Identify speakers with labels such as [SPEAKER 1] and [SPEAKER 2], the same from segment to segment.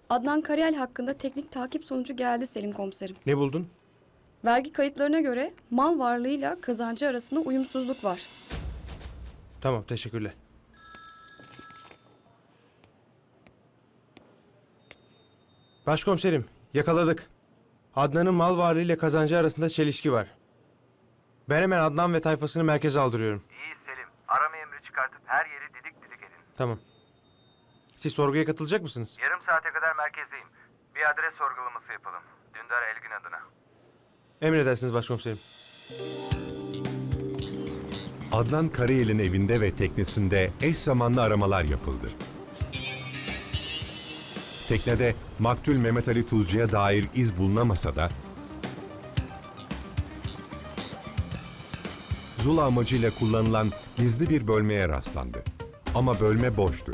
[SPEAKER 1] Adnan Karayel hakkında teknik takip sonucu geldi Selim komiserim.
[SPEAKER 2] Ne buldun?
[SPEAKER 1] Vergi kayıtlarına göre mal varlığıyla kazancı arasında uyumsuzluk var.
[SPEAKER 2] Tamam, teşekkürler. Başkomiserim, yakaladık. Adnan'ın mal varlığıyla kazancı arasında çelişki var. Ben hemen Adnan ve tayfasını merkeze aldırıyorum.
[SPEAKER 3] İyi Selim. Arama emri çıkartıp her yeri didik didik edin.
[SPEAKER 2] Tamam. Siz sorguya katılacak mısınız?
[SPEAKER 3] Yarım saate kadar merkezdeyim. Bir adres sorgulaması yapalım. Dündar Elgin adına.
[SPEAKER 2] Emredersiniz başkomiserim.
[SPEAKER 4] Adnan Karayel'in evinde ve teknesinde eş zamanlı aramalar yapıldı. Teknede maktul Mehmet Ali Tuzcu'ya dair iz bulunamasa da Zula amacıyla kullanılan gizli bir bölmeye rastlandı. Ama bölme boştu.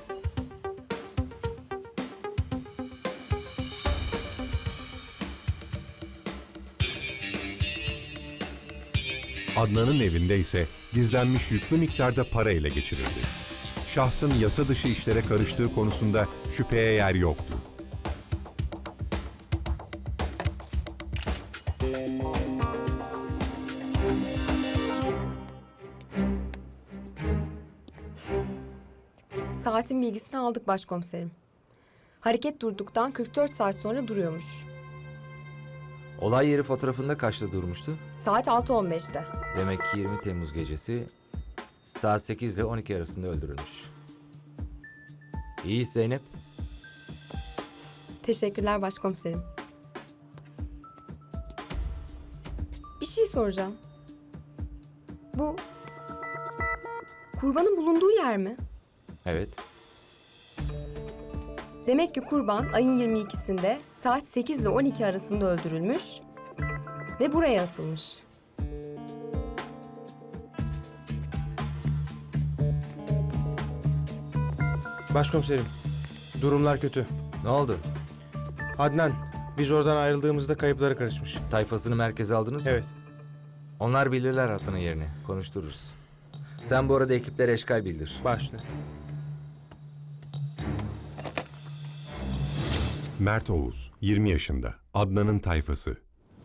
[SPEAKER 4] Adnan'ın evinde ise gizlenmiş yüklü miktarda para ele geçirildi. Şahsın yasa dışı işlere karıştığı konusunda şüpheye yer yoktu.
[SPEAKER 5] Saatin bilgisini aldık başkomiserim. Hareket durduktan 44 saat sonra duruyormuş.
[SPEAKER 6] Olay yeri fotoğrafında kaçta durmuştu?
[SPEAKER 5] Saat 6:15'te.
[SPEAKER 6] Demek ki 20 Temmuz gecesi saat 8 ile 12 arasında öldürülmüş. İyi Zeynep.
[SPEAKER 5] Teşekkürler başkomiserim. Bir şey soracağım. Bu kurbanın bulunduğu yer mi?
[SPEAKER 6] Evet.
[SPEAKER 5] Demek ki kurban ayın 22'sinde saat 8 ile 12 arasında öldürülmüş ve buraya atılmış.
[SPEAKER 2] Başkomiserim, durumlar kötü.
[SPEAKER 6] Ne oldu?
[SPEAKER 2] Adnan, biz oradan ayrıldığımızda kayıplara karışmış.
[SPEAKER 6] Tayfasını merkeze aldınız mı?
[SPEAKER 2] Evet.
[SPEAKER 6] Onlar bilirler Adnan'ın yerini. Konuştururuz. Sen bu arada ekiplere eşkal bildir.
[SPEAKER 2] Başla.
[SPEAKER 4] Mert Oğuz, 20 yaşında, Adnan'ın tayfası.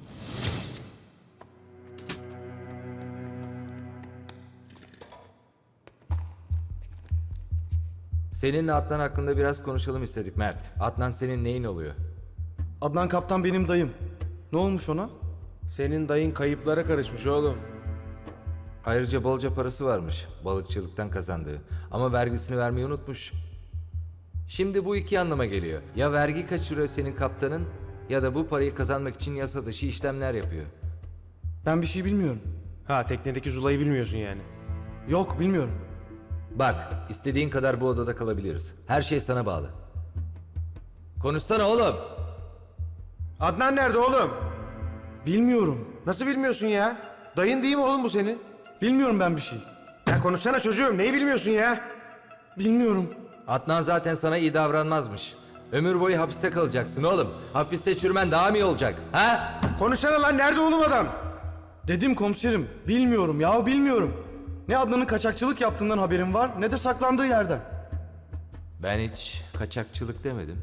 [SPEAKER 6] Seninle Adnan hakkında biraz konuşalım istedik Mert. Adnan senin neyin oluyor?
[SPEAKER 7] Adnan Kaptan benim dayım. Ne olmuş ona?
[SPEAKER 2] Senin dayın kayıplara karışmış oğlum.
[SPEAKER 6] Ayrıca bolca parası varmış balıkçılıktan kazandığı. Ama vergisini vermeyi unutmuş. Şimdi bu iki anlama geliyor. Ya vergi kaçırıyor senin kaptanın ya da bu parayı kazanmak için yasa dışı işlemler yapıyor.
[SPEAKER 7] Ben bir şey bilmiyorum.
[SPEAKER 2] Ha, teknedeki Zula'yı bilmiyorsun yani.
[SPEAKER 7] Yok bilmiyorum.
[SPEAKER 6] Bak, istediğin kadar bu odada kalabiliriz. Her şey sana bağlı. Konuşsana oğlum.
[SPEAKER 2] Adnan nerede oğlum?
[SPEAKER 7] Bilmiyorum.
[SPEAKER 2] Nasıl bilmiyorsun ya? Dayın değil mi oğlum bu senin?
[SPEAKER 7] Bilmiyorum ben bir şey.
[SPEAKER 2] Ya konuşsana çocuğum, neyi bilmiyorsun ya?
[SPEAKER 7] Bilmiyorum.
[SPEAKER 6] Adnan zaten sana iyi davranmazmış. Ömür boyu hapiste kalacaksın oğlum. Hapiste çürümen daha mı iyi olacak? Ha?
[SPEAKER 2] Konuşsana lan, nerede oğlum adam?
[SPEAKER 7] Dedim komiserim. Bilmiyorum ya bilmiyorum. Ne Adnan'ın kaçakçılık yaptığından haberim var ne de saklandığı yerden.
[SPEAKER 6] Ben hiç kaçakçılık demedim.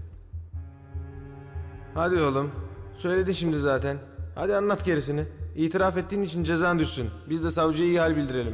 [SPEAKER 2] Hadi oğlum, söyledin şimdi zaten. Hadi anlat gerisini. İtiraf ettiğin için cezan düşsün. Biz de savcıya iyi hal bildirelim.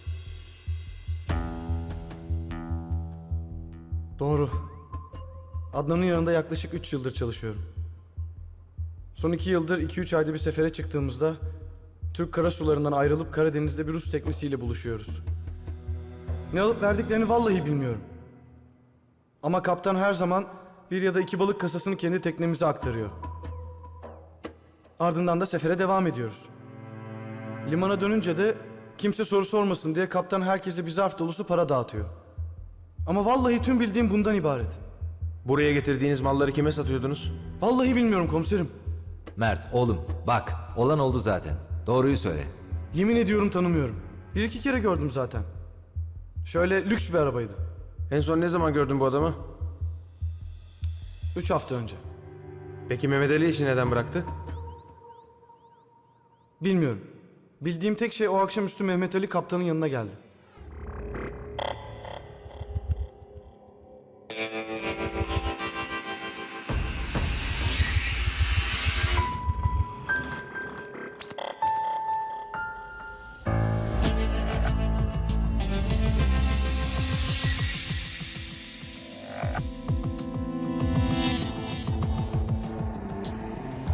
[SPEAKER 7] Doğru. Adnan'ın yanında yaklaşık 3 yıldır çalışıyorum. Son 2 yıldır 2-3 ayda bir sefere çıktığımızda Türk karasularından ayrılıp Karadeniz'de bir Rus teknesiyle buluşuyoruz. Ne alıp verdiklerini vallahi bilmiyorum. Ama kaptan her zaman bir ya da 2 balık kasasını kendi teknemize aktarıyor. Ardından da sefere devam ediyoruz. Limana dönünce de kimse soru sormasın diye kaptan herkese bir zarf dolusu para dağıtıyor. Ama vallahi tüm bildiğim bundan ibaret.
[SPEAKER 2] Buraya getirdiğiniz malları kime satıyordunuz?
[SPEAKER 7] Vallahi bilmiyorum komiserim.
[SPEAKER 6] Mert oğlum bak olan oldu zaten. Doğruyu söyle.
[SPEAKER 7] Yemin ediyorum tanımıyorum. 1-2 kere gördüm zaten. Şöyle lüks bir arabaydı.
[SPEAKER 2] En son ne zaman gördün bu adamı?
[SPEAKER 7] 3 hafta önce.
[SPEAKER 2] Peki Mehmet Ali işi neden bıraktı?
[SPEAKER 7] Bilmiyorum. Bildiğim tek şey o akşamüstü Mehmet Ali kaptanın yanına geldi.